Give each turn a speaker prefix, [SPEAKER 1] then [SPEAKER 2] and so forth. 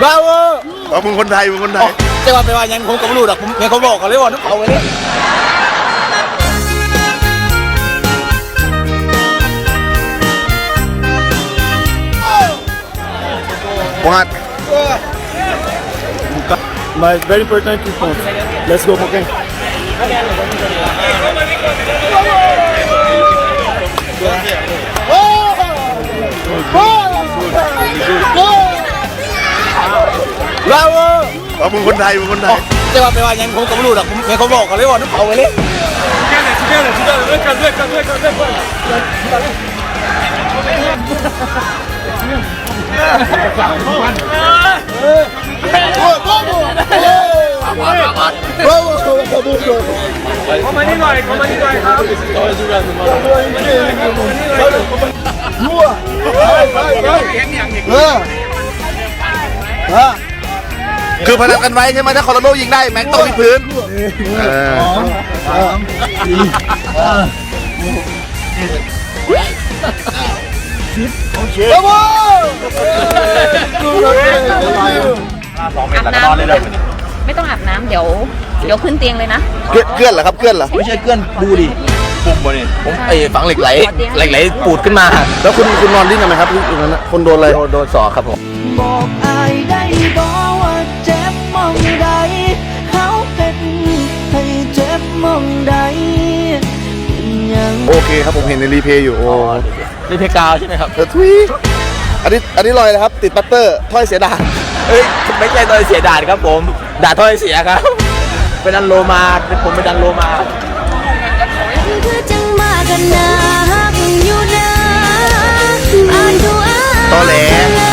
[SPEAKER 1] บ้าเวอร์
[SPEAKER 2] อ๋อมึงคนไทยมึงคนไทย
[SPEAKER 1] จะว่าไปว่ายังผมก็ไม่รู้หรอกผมยังเขาบอกกันเลยว่าน้ำเขาไปเลย
[SPEAKER 2] What?
[SPEAKER 1] My very important response. Let's go, okay? Bravo!
[SPEAKER 2] อ๋อมึงคนไทยมึงคนไทย
[SPEAKER 1] จะว่าไปว่ายังผมก็ไม่รู้หรอกผมยังเขาบอกกันเลยว่าน้ำเขาไปเลย
[SPEAKER 3] เข้ามานี่หน่อยครับ
[SPEAKER 2] คือพนันกันไว้ใช่ไหมถ้าคอร์โลยิงได้แม็กต้องวิดพื้น
[SPEAKER 4] อาบน้ำไม่ต้องอาบน้ำเดี๋ยวขึ้นเตียงเลยนะ
[SPEAKER 2] เกลื่อนเหรอครับเกลื่อนเหรอ
[SPEAKER 1] ไม่ใช่เกื้อนดูดิปุ่มบ่เนี่ยผมฝังเหล็กไหลปูดขึ้นมา
[SPEAKER 2] แล้วคุณนอนดิ้นทำไมครับอยู่นั้นคนโดนอะไร
[SPEAKER 1] โดนสอกครับผม
[SPEAKER 5] บอกอายได้บอกว่าเจ็บมองใดเขาเป็นให้เจ็บมองใดเป็นยัง
[SPEAKER 2] โอเคครับผมเห็นในรีเพย์อยู่โอ้
[SPEAKER 1] นี่เพกาวใช่ไหมครับ
[SPEAKER 2] ทุยอันนี้ลอยนะครับติดปัตเตอร์ถ้อยเสียดาย
[SPEAKER 1] เฮ้ยไม่ใช่ตัวเสียด่านครับผมด่าถ้อยเสียครับเป็นดันโลมาผมเป็นดันโลมา
[SPEAKER 5] คือจังมากันนะฮักอยู่นะอ่านดูอ่าน
[SPEAKER 2] ตอแหล